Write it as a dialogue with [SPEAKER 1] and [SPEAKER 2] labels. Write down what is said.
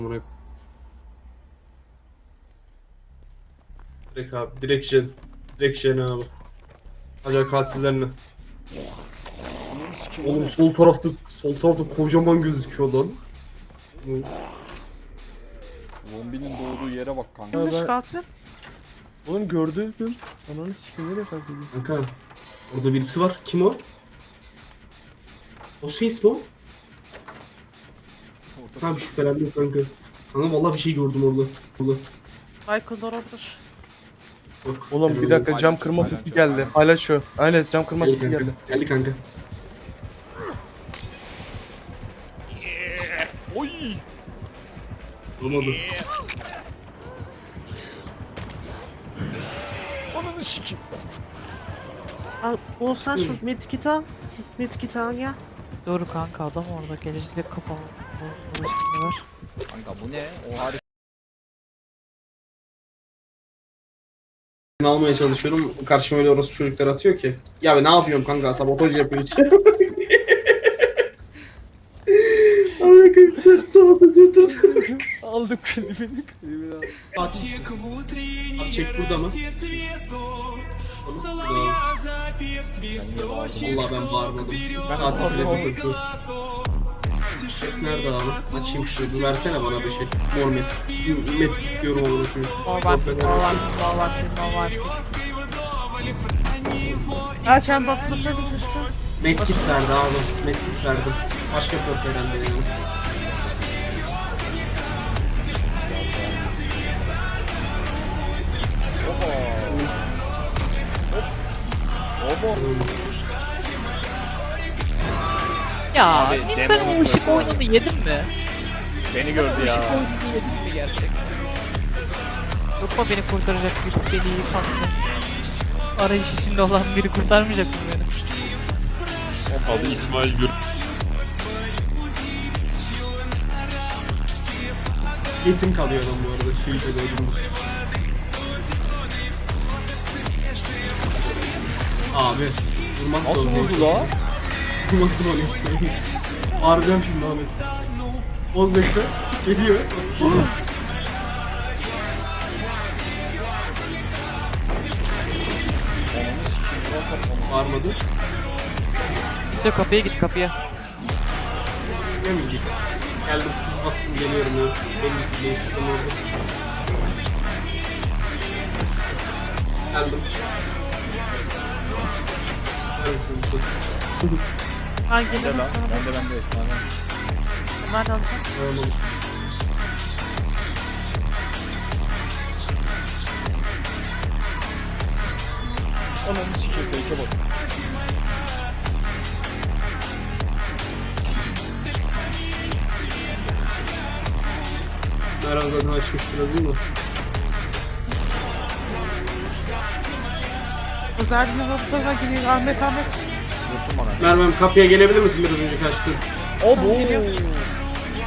[SPEAKER 1] Direkt abi, direkt jen abi. Acayip katillerini. Oğlum sol tarafta kocaman gözüküyor lan.
[SPEAKER 2] Zombinin doğduğu yere bak kanka.
[SPEAKER 3] Kimmiş
[SPEAKER 4] ben-
[SPEAKER 3] katil?
[SPEAKER 4] Oğlum gördüm. Ananı sikim nereye kalkıyor?
[SPEAKER 1] Kanka orada birisi var. Kim o? O şey ismi o? Sana bir şüphelendim kanka. Kanka vallahi bir şey gördüm orada.
[SPEAKER 3] Michael Doran'dır.
[SPEAKER 1] Yok.
[SPEAKER 4] Oğlum bir dakika cam kırma sesi geldi. Hala şu. Aynen cam kırma
[SPEAKER 1] Geldi
[SPEAKER 4] sesi
[SPEAKER 1] kanka.
[SPEAKER 4] geldi.
[SPEAKER 1] Geldi kanka.
[SPEAKER 2] Oy!
[SPEAKER 1] Olmadı.
[SPEAKER 2] Ananı sikim.
[SPEAKER 3] Al, Oğuzhan şu medkit'i al. Medkit'i al ya.
[SPEAKER 5] Doğru kanka adam orada gelecek kafamı ulaşımda var.
[SPEAKER 2] Kanka bu ne? O harika.
[SPEAKER 1] Ben almaya çalışıyorum. Karşıma öyle orası çocuklar atıyor ki. Ya ben ne yapıyorum kanka? Sabotaj yapıyor hiç. Amına koyayım ters sabotaj götürdü.
[SPEAKER 2] Aldım klibini.
[SPEAKER 1] Abi çek burada mı? Allah ben bağırmadım. Katil bile bir kötü. Ses nerede abi? Açayım şunu. Bir versene bana bir şey. Mor metkik diyorum onu koyayım.
[SPEAKER 5] Normal.
[SPEAKER 3] Erken basmasaydın keşke.
[SPEAKER 1] Medkit verdi abi. Medkit verdim. Başka bir yok herhalde yani.
[SPEAKER 5] Ya
[SPEAKER 2] Abi,
[SPEAKER 5] ben
[SPEAKER 2] demonun
[SPEAKER 5] o ışık
[SPEAKER 2] kötü
[SPEAKER 5] oyununu yedim mi?
[SPEAKER 2] Beni gördü ya.
[SPEAKER 5] Işık oyununu yedim mi gerçekten? Yok mu beni kurtaracak bir deliği kanlı? Arayış içinde olan biri kurtarmayacak mı beni?
[SPEAKER 6] Adı İsmail Gür.
[SPEAKER 1] Yetim kalıyor adam bu arada. Şey öldürmüş. Abi. Vurmak
[SPEAKER 2] Nasıl
[SPEAKER 1] zorundayız.
[SPEAKER 2] vurdu la?
[SPEAKER 1] Vurmak zorundayız. Bağıracağım şimdi Ahmet. Oz bekle. Geliyor.
[SPEAKER 2] Ananı sikim. Burası saplamı.
[SPEAKER 1] Bağırmadı.
[SPEAKER 5] İşte kapıya git kapıya.
[SPEAKER 1] Gelmeyecek. Geldim. Kız bastım geliyorum ya. Belli değil. Tam orada. Geldim. Neredesin bu kız?
[SPEAKER 3] Ben
[SPEAKER 2] Ne
[SPEAKER 3] gelirim
[SPEAKER 2] lan?
[SPEAKER 3] sana.
[SPEAKER 2] Ben de Esma'dan.
[SPEAKER 3] Ben alacağım.
[SPEAKER 1] Tamam.
[SPEAKER 2] Ananı sikim. Fake'e bak.
[SPEAKER 1] Merhaba zaten açmış biraz değil mi?
[SPEAKER 3] Özel bir yolda geliyor. Ahmet.
[SPEAKER 2] Vursun bana.
[SPEAKER 1] Merve'm kapıya gelebilir misin biraz önce kaçtın?
[SPEAKER 2] Abo!